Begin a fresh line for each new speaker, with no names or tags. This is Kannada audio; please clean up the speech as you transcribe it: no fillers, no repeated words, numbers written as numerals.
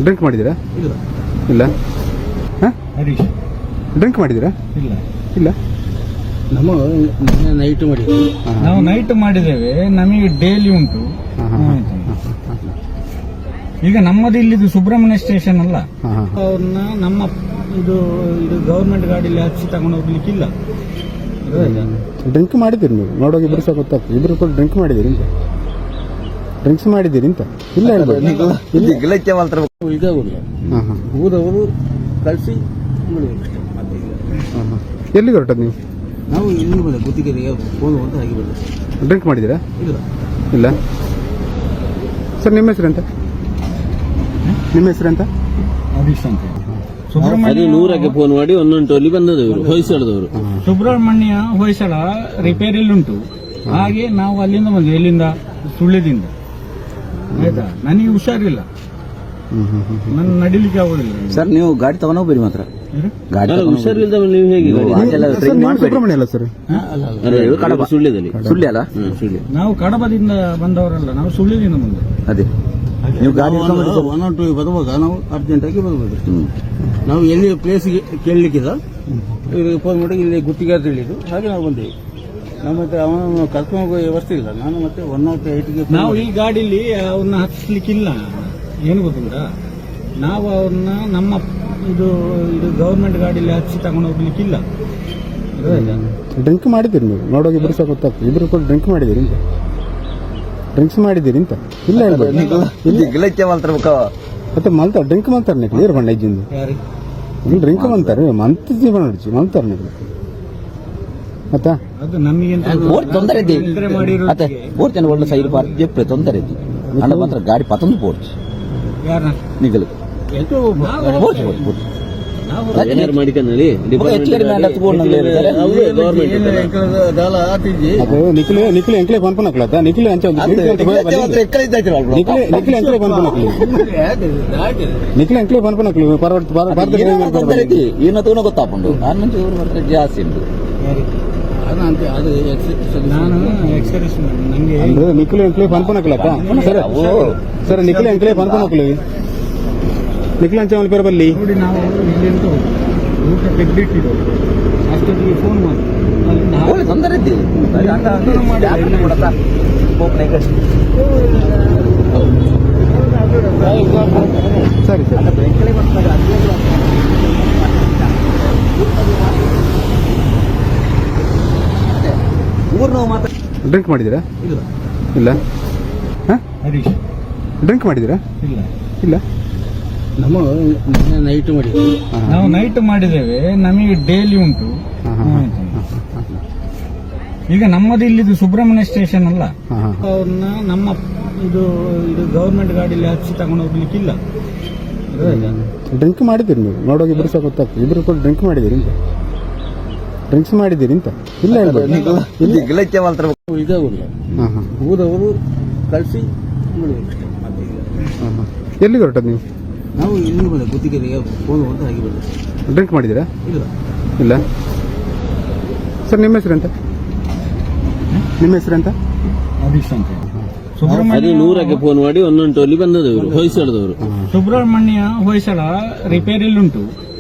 ಡ್ರಿಂಕ್ ಮಾಡಿದ್ದೀರಾ?
ಇಲ್ಲ
ಇಲ್ಲ. ಹಾಂ,
ಹರೀಶ್
ಡ್ರಿಂಕ್ ಮಾಡಿದ್ದೀರಾ?
ಇಲ್ಲ
ಇಲ್ಲ.
ನಮ್ಮ ನೈಟ್ ಮಾಡಿದ್ವಿ.
ಹಾಂ,
ನಾವು ನೈಟ್ ಮಾಡಿದ್ದೇವೆ, ನಮಗೆ ಡೈಲಿ ಉಂಟು.
ಹಾಂ, ಹಾಂ, ಹಾಂ,
ಈಗ ನಮ್ಮದು ಇಲ್ಲಿದು ಸುಬ್ರಹ್ಮಣ್ಯ ಸ್ಟೇಷನ್ ಅಲ್ಲ,
ಹಾಂ, ಹಾಂ.
ಅವ್ರನ್ನ ನಮ್ಮ ಇದು ಗವರ್ಮೆಂಟ್ ಗಾಡಿಯಲ್ಲಿ ಹಚ್ಚಿ ತಗೊಂಡು ಹೋಗ್ಲಿಕ್ಕಿಲ್ಲ.
ಡ್ರಿಂಕ್ ಮಾಡಿದ್ದೀರಿ ನೀವು? ನೋಡೋಕೆ ಇಬ್ಬರು ಸಹ ಗೊತ್ತಾಗ್ತದೆ. ಇಬ್ಬರು ಕೂಡ ಡ್ರಿಂಕ್ ಮಾಡಿದ್ದೀರಿ ಅಂತ, ಡ್ರಿಂಕ್ಸ್ ಮಾಡಿದ್ದೀರಿ ಅಂತ ಇಲ್ಲ ಹೇಳ್ಬೋದು.
ಇದೇ ಊರು,
ಹಾಂ, ಹಾಂ,
ಊರವರು ಕಳಿಸಿ
ಹಾಂ, ಹಾಂ. ಎಲ್ಲಿಗೆ ಹೊರಟದ್ದು ನೀವು?
ನಾವು ಇಲ್ಲಿ ಬಂದೆ ಗುತ್ತಿಗೆರಿಗೆ ಫೋನ್ ಅಂತ ಹಾಗೆ ಬಂದೆ.
ಡ್ರಿಂಕ್ ಮಾಡಿದ್ದೀರಾ?
ಇಲ್ಲ
ಇಲ್ಲ. ಸರ್, ನಿಮ್ಮ ಹೆಸರು ಎಂತ? ನಿಮ್ಮ ಹೆಸರು ಎಂತ?
ಹರೀಶ್ ಅಂತ.
ಅದು ನೂರಕ್ಕೆ ಫೋನ್ ಮಾಡಿ 112 ಬಂದದವರು ಹೊಯ್ಸಳದವರು.
ಸುಬ್ರಹ್ಮಣ್ಯ ಹೊಯ್ಸಳ ರಿಪೇರಿಯಲ್ಲಿ ಉಂಟು. ಹಾಗೆ ನಾವು ಅಲ್ಲಿಂದ ಬಂದ್ವಿ. ಎಲ್ಲಿಂದ? ಸುಳ್ಳ್ಯದಿಂದ. ಆಯ್ತಾ, ನನಗೆ ಹುಷಾರಿಲ್ಲ, ನನ್ನ ನಡಿಲಿಕ್ಕೆ ಆಗೋದಿಲ್ಲ.
ಸರ್, ನೀವು ಗಾಡಿ ತಗೊಂಡೋಗ್ಬೇಡಿ ಮಾತ್ರ. ಗಾಡಿ
ಹುಷಾರಿಲ್ದ ನೀವು ಹೇಗೆ
ಸುಬ್ರಹ್ಮಣ್ಯ ಅಲ್ಲ ಸರ್?
ಸುಳ್ಳ್ಯದಲ್ಲಿ?
ಸುಳ್ಳಿ ಅಲ್ಲ,
ನಾವು ಕಡಬದಿಂದ ಬಂದವರಲ್ಲ, ನಾವು ಸುಳ್ಳ್ಯದಿಂದ ಬಂದವರು.
ಅದೇ ನೀವು ಗಾಡಿ
ಬರುವಾಗ ನಾವು ಅರ್ಜೆಂಟ್ ಆಗಿ ಬರಬೇಕು. ನಾವು ಎಲ್ಲಿ ಪ್ಲೇಸ್ ಕೇಳಲಿಕ್ಕಿಲ್ಲ, ಇವ್ರಿಗೆ ಫೋನ್ ಮಾಡಿ ಇಲ್ಲಿ ಗುತ್ತಿಗೆ ಅಂತ ಹೇಳಿದ್ರು. ಹಾಗೆ ನಾವು ಬಂದೇವಿ. ನಮ್ಮ ಹತ್ರ ಅವನು ಕರ್ಕೊಂಡು ಹೋಗೋ ವ್ಯವಸ್ಥೆ ಇಲ್ಲ. ನಾನು ಮತ್ತೆ 108ಗೆ ನಾವು ಈ ಗಾಡಿಲಿ ಅವ್ರನ್ನ ಹತ್ತಿಸ್ಲಿಕ್ಕಿಲ್ಲ. ಏನು ಗೊತ್ತಿಲ್ಲ, ನಾವು ಅವ್ರನ್ನ ನಮ್ಮ ಇದು ಗವರ್ಮೆಂಟ್ ಗಾಡಿಯಲ್ಲಿ ಹಚ್ಚಿ ತಗೊಂಡು ಹೋಗ್ಲಿಕ್ಕಿಲ್ಲ.
ಡ್ರಿಂಕ್ ಮಾಡಿದ್ದೀರಿ ನೀವು? ನೋಡೋಕೆ ಇಬ್ಬರು ಸಹ ಗೊತ್ತಾಗ್ತದೆ. ಇಬ್ಬರು ಕೂಡ ಡ್ರಿಂಕ್ ಮಾಡಿದ್ದೀರಿ ಅಂತ, ಡ್ರಿಂಕ್ಸ್ ಮಾಡಿದ್ದೀರಿ ಅಂತ ಇಲ್ಲ ಹೇಳ್ಬೋದು. ಮತ್ತೆ ಮಲ್ತಾರೆ, ಡ್ರಿಂಕ್ ಮಾಡ್ತಾರೆ ನೀವು ಕ್ಲಿಯರ್ ಬಣ್ಣ ಇಜ್ಜಿಂದು ಡ್ರಿಂಕ್ ಮಾಡ್ತಾರೆ ಮಂತ್ ಜೀವನ ನಡಿಸಿ ಮಲ್ತಾರೆ ನೀವು. ಮತ್ತಾ
ಅದು ನಮಗೆ
ತೊಂದರೆ ಪೋರ್ಚ್ ಒಳ್ಳೆ ಸೈಡ್ ಪಾರ್ಕ್ ಜೆಪ್ಪೆ ತೊಂದರೆ ಇದ್ದು ಅಲ್ಲ ಮಾತ್ರ ಗಾಡಿ ಪತ್ತೊಂದು ಪೋರ್ಚ್ ನಿಗಲು ಪೋರ್ಚ್
ಏನಾರು ಮಾಡಿಕನಲ್ಲಿ
ನಿಖಿಲ್ ಎಂಕ್ಲೆ ಪನ್ಪನಕ್ಲತ್ತ ನಿಖಿಲ್ ಅಂಚ ನಿಖಿಲ್ ಎಂಕ್ಲೆ ಪನ್ಪನಕ್ಲಿ ನಿಖಿಲ್ ಎಂಕ್ಲೆ ಪನ್ಪನಕ್ಲಿ
ಏನೋ ತಗೊಂಡು ಗೊತ್ತಾಪುಂಡು ಆನಂತರ ಇವರು ಬರ್ತಾರೆ ಜಾಸ್ತಿ ಉಂಟು.
ನಾನು ಎಕ್ಸ್ಪೀರಿಯನ್ಸ್ ನಂಗೆ
ನಿಖಿಲ್ ಎಂಕ್ಲೆ ಪನ್ಪನಕ್ಲತ್ತ ಸರ್ ನಿಖಿಲ್ ಎಂಕ್ಲೆ ಪನ್ಪನಕ್ಲಿ ನಿಖಿಲ್ ಅಂಚ ಪೇರು ಬಲ್ಲಿ
ನೋಡಿ. ನಾವು ಇಲ್ಲಿ ಅಂತ ಊಟ ತೆಗೆದಿಟ್ಟಿದ್ದು ಅಷ್ಟೊತ್ತಿಗೆ ಫೋನ್ ಮಾಡಿ
ತೊಂದರೆ
ಸರಿ ಸರ್. ಡ್ರಿಂಕ್ ಮಾಡಿದ್ದೀರಾ?
ಇಲ್ಲ
ಇಲ್ಲ. ಹಾಂ,
ಹರೀಶ್
ಡ್ರಿಂಕ್ ಮಾಡಿದ್ದೀರಾ?
ಇಲ್ಲ
ಇಲ್ಲ.
ನಮ್ಮ ನೈಟ್ ಮಾಡಿದ್ವಿ.
ಹಾಂ,
ನಾವು ನೈಟ್ ಮಾಡಿದ್ದೇವೆ, ನಮಗೆ ಡೈಲಿ ಉಂಟು.
ಹಾಂ, ಹಾಂ, ಹಾಂ,
ಈಗ ನಮ್ಮದು ಇಲ್ಲಿದು ಸುಬ್ರಹ್ಮಣ್ಯ ಸ್ಟೇಷನ್ ಅಲ್ಲ,
ಹಾಂ, ಹಾಂ.
ಅವ್ರನ್ನ ನಮ್ಮ ಇದು ಗವರ್ಮೆಂಟ್ ಗಾಡಿಯಲ್ಲಿ ಹಚ್ಚಿ ತಗೊಂಡು ಹೋಗ್ಲಿಕ್ಕಿಲ್ಲ.
ಡ್ರಿಂಕ್ ಮಾಡಿದ್ದೀರಿ ನೀವು? ನೋಡೋಕೆ ಇಬ್ಬರು ಸಹ ಗೊತ್ತಾಗ್ತದೆ. ಇಬ್ಬರು ಕೂಡ ಡ್ರಿಂಕ್ ಮಾಡಿದ್ದೀರಿ ಅಂತ, ಡ್ರಿಂಕ್ಸ್ ಮಾಡಿದ್ದೀರಿ ಅಂತ ಇಲ್ಲ ಹೇಳ್ಬೋದು.
ಇದೇ ಊರು,
ಹಾಂ, ಹಾಂ,
ಊರವರು ಕಳಿಸಿ
ಹಾಂ, ಹಾಂ. ಎಲ್ಲಿಗೆ ಹೊರಟದ್ದು ನೀವು?
ನಾವು ಇಲ್ಲಿ ಬಂದೆ ಗುತ್ತಿಗೆರಿಗೆ ಫೋನ್ ಅಂತ ಹಾಗೆ ಬಂದೆ.
ಡ್ರಿಂಕ್ ಮಾಡಿದ್ದೀರಾ?
ಇಲ್ಲ
ಇಲ್ಲ. ಸರ್, ನಿಮ್ಮ ಹೆಸರು ಎಂತ? ನಿಮ್ಮ ಹೆಸರು ಎಂತ?
ಹರೀಶ್ ಅಂತ.
ಅದು ನೂರಕ್ಕೆ ಫೋನ್ ಮಾಡಿ 112 ಬಂದದವರು ಹೊಯ್ಸಳದವರು.
ಸುಬ್ರಹ್ಮಣ್ಯ ಹೊಯ್ಸಳ ರಿಪೇರಿಯಲ್ಲಿ ಉಂಟು.